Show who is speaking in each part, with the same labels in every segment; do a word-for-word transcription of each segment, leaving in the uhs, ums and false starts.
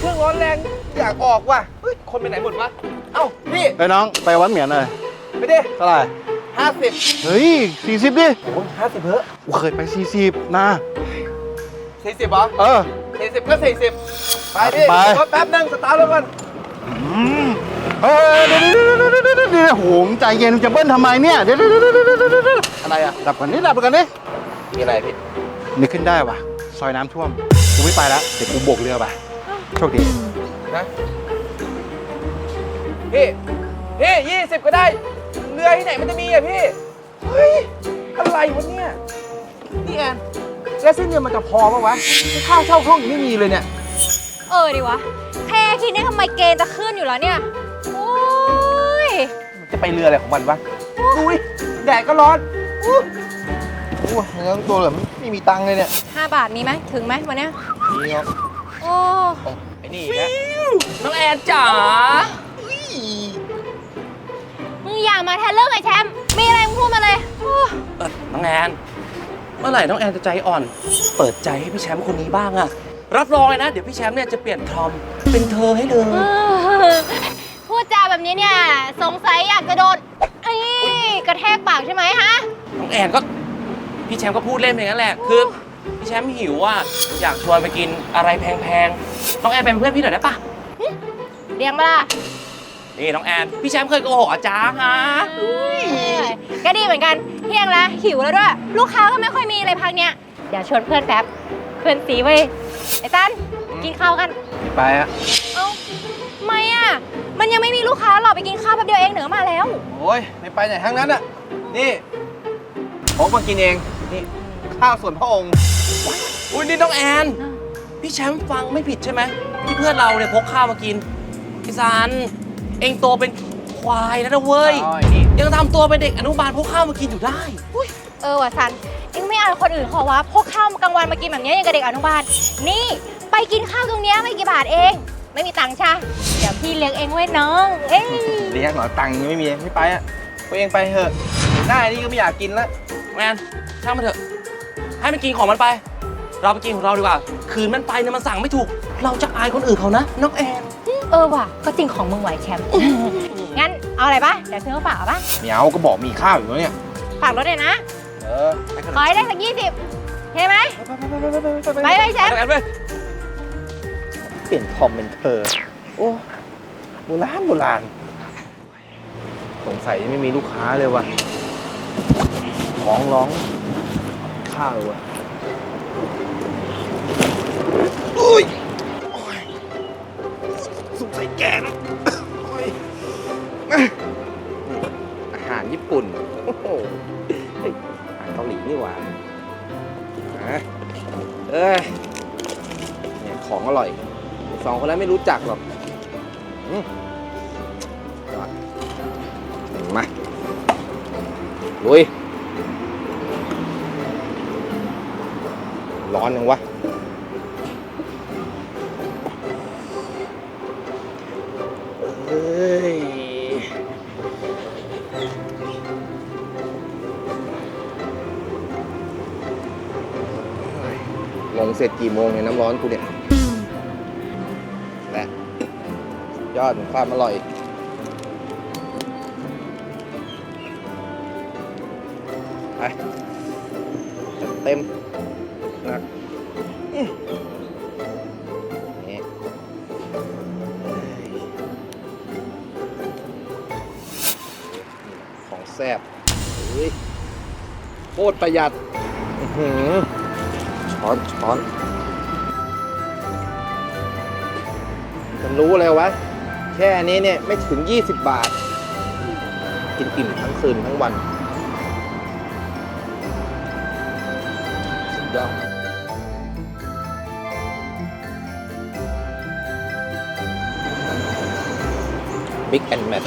Speaker 1: รื่องร้อนแรงอยากออกว่ะเฮ้ยคนไปไหนหมดวะเอ้าพี่
Speaker 2: เฮ้ยน้องไปวัดเหมียนหน่อย
Speaker 1: ไปดิ
Speaker 2: เท่าไหร่
Speaker 1: ห้าสิบ
Speaker 2: เฮ้ยสี่สิบดิ
Speaker 1: โอ้ยห้าสิบเพ้อ
Speaker 2: กูเคยไปสี่สิบนะ
Speaker 1: สี่สิบเหรอ
Speaker 2: เออ
Speaker 1: สี่สิบก็สี่สิบไปดิ
Speaker 2: ไป
Speaker 1: รถแป๊บนึงสตาร์ทรถก่อน
Speaker 2: เฮ้ยเดี๋ยวเดี๋ยวเดี๋ยวเดี๋ยวเดี๋ยวเดี๋ยวโหมใจเย็นจะเบิ้ลทำไมเนี่ยเดี๋ยวเดี๋ยวเดี๋ยวเดี๋ยวเดี๋ยวเดี๋ยว
Speaker 1: อะไรอ่ะ
Speaker 2: ดับก่อนนี่ดับก่อนนี่
Speaker 1: มีอะไรพี่
Speaker 2: นึกขึ้นได้ว่ะซอยน้ำท่วมกูไม่ไปแล้วเดี๋ยวกูโบกเรือไปโชคดี
Speaker 1: นะพี่พี่ยี่สิบก็ได้เรือที่ไหนมันจะมีอ่ะพี่เฮ้ยอะไรวะเนี่ยนี่แอนแล้วสิ้นเดือนมันจะพอปะวะค่าเช่าห้องยังไม่มีเลยเนี่ย
Speaker 3: เออดิวะแค่คิดเนี่ยทำไมเกณฑ์จะขึ้นอยู่แล้วเนี่ย โอ้ย
Speaker 1: มันจะไปเรืออะไรของมันวะอุ้ยแดดก็ร้อนอู้อู้เนื้อตัวเหลือไม่มีตังค์เลยเนี่ย
Speaker 3: ห้าบาทมีไหมถึงไหมวันเนี้ย
Speaker 1: นี่ครับ
Speaker 3: โอ้
Speaker 1: ไอ้นี่อีกนะ
Speaker 4: น้องแอนจ๋า
Speaker 3: มึงอย่ามาแทนเรื่องไอ้แชมป์มีอะไรมึงพูดมาเลยโอ้
Speaker 4: เออน้องแอนเมื่อไหร่น้องแอนจะใจอ่อน เปิดใจให้พี่แชมป์คนนี้บ้างอะรับรองเลยนะ เดี๋ยวพี่แชมป์เนี่ยจะเปลี่ยนทอมเป็นเธอให้เลย
Speaker 3: เออพูดจาแบบนี้เนี่ยสงสัยอยากจะโดนเอ้ยกระแทกปากใช่ไหมฮะ
Speaker 4: น้องแอนก็พี่แชมป์ก็พูดเล่นไปอย่างนั้นแหละคือพี่แชมป์หิวอ่ะอยากชวนไปกินอะไรแพงๆน้องแอนเป็นเพื่อนพี่หน่อยได้ปะ
Speaker 3: เลี้ยงมาล่ะ
Speaker 4: นี่น้องแอนพี่แชมป์เคยโกหกอาจารย์ฮะ
Speaker 3: เอ้ยก็ดีเหมือนกันเที่ยงแล้วหิวแล้วด้วย ลูกค้าก็ไม่ค่อยมีเลยพักเนี้ยเดี๋ยวชวนเพื่อนแป๊บเพื่อนสีเว้ยไอ้ตันกินข้าวกัน
Speaker 1: ไปอะ
Speaker 3: เอ้าทำไมอ่ะ มันยังไม่มีลูกค้าหรอกไปกินข้าวแป๊บเดียวเองเหนือมาแล้ว
Speaker 1: โอ้ยไม่ไปไหนทั้งนั้นอะนี่ผมมากินเองนี่ข้าวส่วนพระองค์
Speaker 4: อุ้ยนี่น้องแอนพี่แชมป์ฟังไม่ผิดใช่ไหมที่เพื่อนเราเนี่ยพกข้าวมากินพี่ซันเองโตเป็นควายแล้วนะเว้ย
Speaker 1: อ๋อไอ้นี่
Speaker 4: ยังทำตัวเป็นเด็กอนุบาลพกข้าวมากินอยู่ได้
Speaker 3: เออว่ะซันเอ็งไม่อายคนอื่นเขาวะพกข้าวกลางวันมากินแบบนี้ยังกับเด็กอนุบาลนี่ไปกินข้าวตรงเนี้ยไม่กี่บาทเอง ไม่มีตังค์ใช่เดี๋ยวพี่เลี้ยงเองไว้น้องเอ้ย
Speaker 1: เลี้ยงเหรอตังค์ยังไม่มีไม่ไปอะตัวเองไปเถอะหน้าไอ้นี่ก็ไม่อยากกินแล้ว
Speaker 4: แมนช่างมันเถอะ ให้มันกินของมันไป เราไปกินของเราดีกว่า คืนมันไปเนี่ยมันสั่งไม่ถูก เราจะอายคนอื่นเขานะน้องแอน
Speaker 3: เออว่ะก็จริงของมึงไหวแชมป์ งั้นเอาอะไรปะเดี๋ยวซื้อมาฝากเอาปะ
Speaker 1: เหมียวก็บอกมีข้าวอยู่แล้วเนี่ย
Speaker 3: ฝากรถเลยนะ
Speaker 1: เออไปกัน
Speaker 3: ขอให้ได้สักยี่สิบเห็นไหมไปไปแชมป์
Speaker 4: น้องแอนเว้ย
Speaker 1: เปลี่ยนทอมเป็นเธอ โอ้โบราณโบราณสงสัยไม่มีลูกค้าเลยว่ะร้องร้องข้าวว่ะอุ้ยโอ้ยสงสัยแก่แล้วโอ้ยอาหารญี่ปุ่นโอ้โหเฮ้ยอาหารเกาหลีนี่หว่าฮะเอ้ยเนี่ยของอร่อยสองคนนั้นไม่รู้จักหรอกอืมยอดมาลุยร้อนยังวะเฮ้ยลงเสร็จกี่โมงเนี่ยน้ำร้อนกูเนี่ยแหละยอดของความอร่อยไปจัดเต็มหนักอื้อนี่ของแซ่บเฮ้ยโคตรประหยัดอื้อหือช้อนช้อนมันรู้เลยวะแค่นี้เนี่ยไม่ถึงยี่สิบบาท กินอิ่มทั้งคืนทั้งวันสุดยอดบิ๊กแอนด์แมท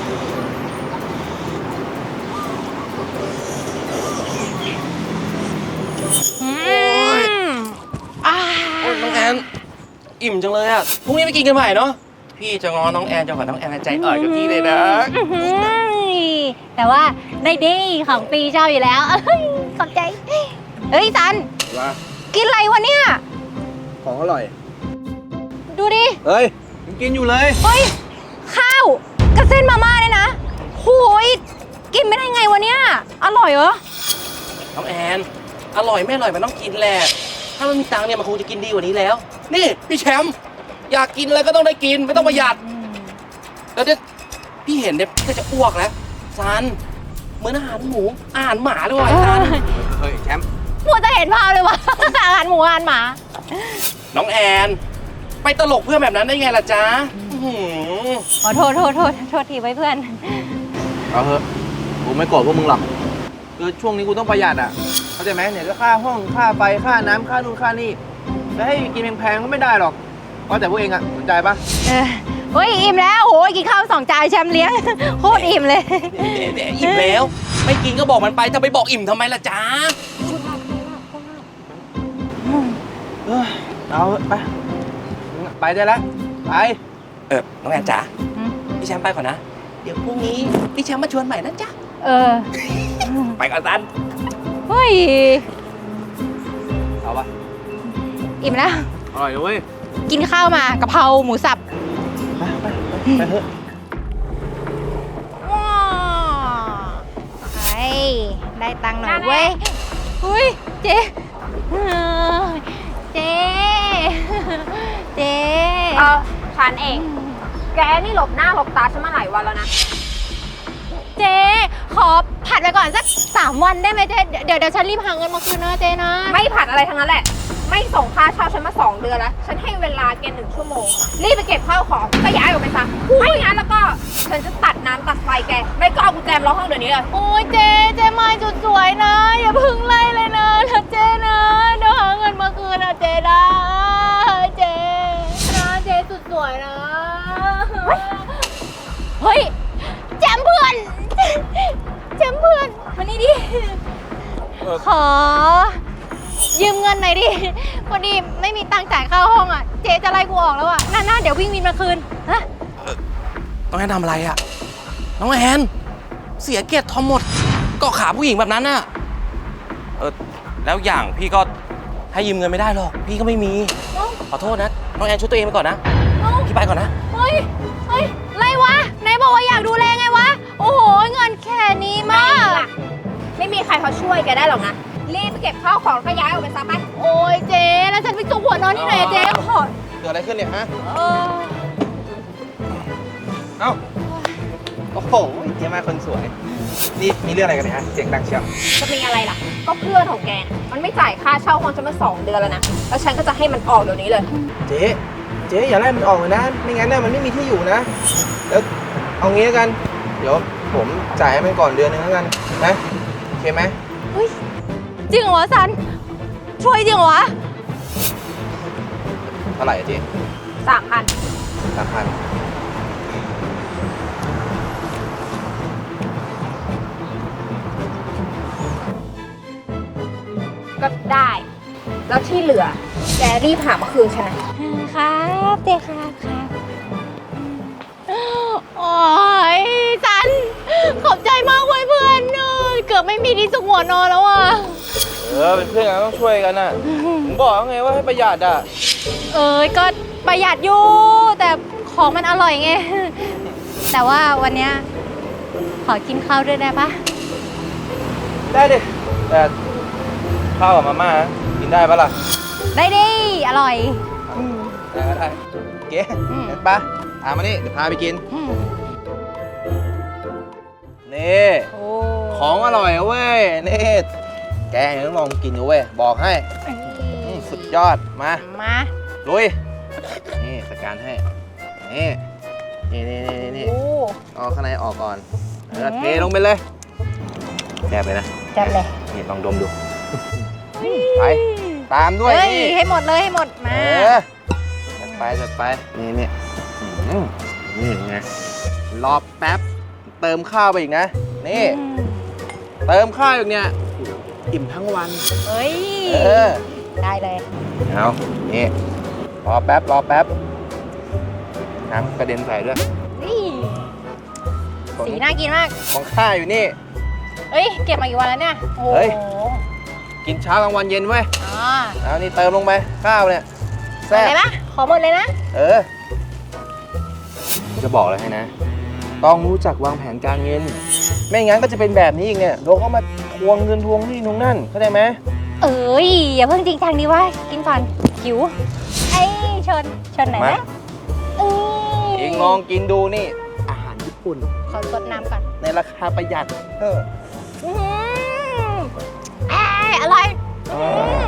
Speaker 3: อืมอ่า
Speaker 4: โอ้ยน้องแอนอิ่มจังเลยอะพรุ่งนี้ไปกินกันใหม่เนาะ พี่จะงอน้องแอนจะขอน้องแอนใจอ่อนกับพี่เลยนะ
Speaker 3: อื้อหือแต่ว่าได้ดีของปีเจ้าอยู่แล้วเอ้ยขอบใจ เฮ้ยซัน
Speaker 1: ว่า
Speaker 3: กินอะไรวะเนี่ย
Speaker 1: ของอร่อย
Speaker 3: ดูดิ
Speaker 1: เฮ้ยยังกินอยู่เลย
Speaker 3: เฮ้ย ข้าวกับเส้นมาม่าเนี่ยนะโหยกินไม่ได้ไงวะเนี่ย อร่อยเหรอ
Speaker 4: น้องแอน อร่อยไม่อร่อยมันต้องกินแหละ ถ้ามันมีตังค์เนี่ยมันคงจะกินดีกว่านี้แล้ว นี่พี่แชมป์อยากกินอะไรก็ต้องได้กินไม่ต้องประหยัด แล้วเนี่ยพี่เห็นเนี่ยพี่ก็จะอ้วกแล้วซันเหมือนอาหารหมูอาหารหมาเลยว่ะไอ้ซัน
Speaker 1: เฮ้ยแชมป์
Speaker 3: มัวจะเห็นภาพเลยว่า อาหารหมูอาหารหมา
Speaker 4: น้องแอน ไปตลกเพื่อนแบบนั้นได้ไงล่ะจ๊ะอื้อหือ
Speaker 3: ขอโทษโทษโทษโทษทีไว้เพื่อน
Speaker 1: เอาเถอะกูไม่โกรธพวกมึงหรอกคือช่วงนี้กูต้องประหยัดอ่ะเข้าใจไหมเนี่ยก็ค่าห้องค่าไฟค่าน้ำค่านู่นค่านี่จะให้กินแพงๆก็ไม่ได้หรอกว่าแต่พวกเองอ่ะสนใจปะ
Speaker 3: เออเฮ้ยอิ่มแล้วโหยกินข้าวสองจานแชมป์เลี้ยง โคตรอิ่มเลย
Speaker 4: เดี๋ยวอิ่มแล้ว ไม่กินก็บอกมันไปจะไปบอกอิ่มทำไมล่ะจ๊ะ
Speaker 1: เออเอาเถอะไปไปได้แล้วไป
Speaker 4: เออน้องแอนจ๋า
Speaker 3: อืม
Speaker 4: พี่แชมป์ไปก่อนนะ เดี๋ยวพรุ่งนี้พี่แชมป์มาชวนใหม่นะจ๊ะ
Speaker 3: เออ
Speaker 4: ไปก่อนซัน
Speaker 3: เฮ้ย
Speaker 1: เอาปะ
Speaker 3: อิ่มแล้ว
Speaker 1: อร่อยนะเว้ย
Speaker 3: กินข้าวมากะเพราหมูสับ
Speaker 1: ไปไปไปเถอะ
Speaker 3: ว้าวไอ้ได้ตังค์หน่อยเว้ยอุ้ยเจ๊เออเจ๊เจ๊
Speaker 5: เออฉันเอง แกนี่หลบหน้าหลบตาฉันมาหลายวันแล้วนะ
Speaker 3: เจ๊ขอผัดไปก่อนสักสามวันได้ไหมเจ๊เดี๋ยวเดี๋ยวฉันรีบหาเงินมาคืนนะเจ๊นะ
Speaker 5: ไม่ผัดอะไรทั้งนั้นแหละ ไม่ส่งค่าเช่าฉันมาสองเดือนแล้ว ฉันให้เวลาแกหนึ่งชั่วโมง รีบไปเก็บข้าวของก็ย้ายออกไปซะไม่งั้นแล้วก็ฉันจะตัดน้ำตัดไฟแก ไม่ก็เอากุญแจมาล็อกห้องเดี๋ยวนี้เลย
Speaker 3: โอ้ยเจ๊เจ๊มาจุดสวยนะ อย่าเพึ่งไล่เลยนะนะเจ๊นะเดี๋ยวหาเงินมาคืนนะเจ๊นะเจ๊นะเจ๊สุดสวยนะเฮ้ยแจมเพื่อนแจมเพื่อนมานี่ดิขอยืมเงินหน่อยดิพอดีไม่มีตังค์จ่ายค่าห้องอ่ะเจ๊จะไล่กูออกแล้วอ่ะน่าๆเดี๋ยววิ่งวินมาคืนฮะ
Speaker 4: น้องแอนทำอะไรอะน้องแอนเสียเกียรติทอมหมดเกาะขาผู้หญิงแบบนั้นน่ะ เออแล้วอย่างพี่ก็ให้ยืมเงินไม่ได้หรอก พี่ก็ไม่มี
Speaker 3: เอ้า
Speaker 4: ขอโทษนะ น้องแอนช่วยตัวเองไปก่อนนะ
Speaker 3: เอ้า
Speaker 4: พี่ไปก่อนนะ
Speaker 3: เฮ้ย เฮ้ย ไรวะไหนบอกว่าอยากดูแลไงวะ โอ้โห เงินแค่นี้มาก
Speaker 5: ไม่มีใครเขาช่วยแกได้หรอกนะ รีบไปเก็บข้าวของก็ย้ายออกไปซะไป
Speaker 3: โอ้ยเจ๊แล้วฉันไปจุกหัวนอนที่ไหนอะเจ๊ขอ
Speaker 1: เกิดอะไรขึ้นเนี่ยฮะ
Speaker 3: เออ
Speaker 1: เอ้า โอ้โหเจ๊มาคนสวย นี่มีเรื่องอะไรกันเนี่ยฮะ เสียงดังเชียว
Speaker 5: จะมีอะไรล่ะ ก็เพื่อนของแกน่ะมันไม่จ่ายค่าเช่าห้องฉันมาสองเดือนแล้วนะ แล้วฉันก็จะให้มันออกเดี๋ยวนี้เลย
Speaker 1: เจ๊ เจ๊อย่าไล่มันออกเลยนะ ไม่งั้นเนี่ยมันไม่มีที่อยู่นะ แล้วเอางี้แล้วกัน เดี๋ยวผมจ่ายให้มันก่อนเดือนนึงแล้วกันนะ โอเคไหม
Speaker 3: เฮ้ย จริงเหรอวะซัน ช่วยจริงเหรอวะ
Speaker 1: เท่าไหร่อะเจ๊
Speaker 5: สามพัน
Speaker 1: สามพัน
Speaker 5: ก็ได้ แล้วที่เหลือ แกรีบหามาคืนฉันนะ
Speaker 3: ครับเจ๊ครับครับโอ้ยซัน ขอบใจมากเว้ยเพื่อนเออเกือบไม่มีที่สุกหัวนอนแล้วอ่ะ
Speaker 1: เออ เป็นเพื่อนกันต้องช่วยกันน่ะ ผมบอกแล้วไงว่าให้ประหยัดอ่ะ
Speaker 3: เอ้ยก็ประหยัดอยู่ แต่ของมันอร่อยไง แต่ว่าวันเนี้ยขอกินข้าวด้วยได้ปะ
Speaker 1: ได้ดิ แต่ข้าวกับมาม่ากินได้ปะล่ะ
Speaker 3: ได้ดิ อร่อย
Speaker 1: ได้ก็ได้เก๋
Speaker 3: อืม
Speaker 1: งั้นปะตามมานี่เดี๋ยวพาไปกิน
Speaker 3: อืม
Speaker 1: นี่
Speaker 3: โอ้
Speaker 1: ของอร่อยอะเว้ย นี่ แกยังต้องลองกินดูเว้ย บอกให้อืมสุดยอด มา
Speaker 3: มา
Speaker 1: ลุย นี่จัดการให้ นี่ นี่นี่นี่นี่
Speaker 3: โอ้
Speaker 1: เอาข้างในออกก่อนแล้วเทลงไปเลยแซ่บเลยนะ
Speaker 3: จัดเลย
Speaker 1: นี่ลองดมดู ไป ตามด้วย
Speaker 3: เฮ้ย
Speaker 1: นี่
Speaker 3: ให้หมดเลยให้หมด
Speaker 1: เอ
Speaker 3: มา
Speaker 1: อจัดไปจัดไป นี่นี่อืมนี่ไง รอแป๊บ เติมข้าวไปอีกนะ นี่ เติมข้าวอีกเนี่ยอิ่มทั้งวัน
Speaker 3: เฮ้ย
Speaker 1: เออ
Speaker 3: ได้เลย
Speaker 1: เอานี่ รอแป๊บ รอแป๊บ น้ำกระเด็นใส่ด้วย
Speaker 3: นี่ สีน่ากินมาก
Speaker 1: ของข้าอยู่นี่
Speaker 3: เฮ้ย เก็บมากี่วันแล้วเนี่ย โอ้
Speaker 1: เฮ้ย
Speaker 3: โห
Speaker 1: กินเช้ากลางวันเย็นเว้ย
Speaker 3: อ๋อ
Speaker 1: เอานี่เติมลงไป ข้าวเนี่ยแซ่บ
Speaker 3: เห็นไหมขอหมดเลยนะ
Speaker 1: เออจะบอกเลยให้นะ ต้องรู้จักวางแผนการเงิน ไม่งั้นก็จะเป็นแบบนี้อีกเนี่ยโดนเขามาทวงเงินทวงนี่ทวงนั่นเข้าใจไหม
Speaker 3: เอ้ยอย่าเพิ่งจริงจังดีวะกินก่อนหิวไอ้ชนชนไหนอยไหมเอ้ย
Speaker 1: เองลองกินดูนี่ อาหารญี่ปุ่น
Speaker 3: ขอสดน้ำก่อน
Speaker 1: ในราคาประหยัดเออ
Speaker 3: อื้อหือเอ้ยอร่อย
Speaker 1: เออ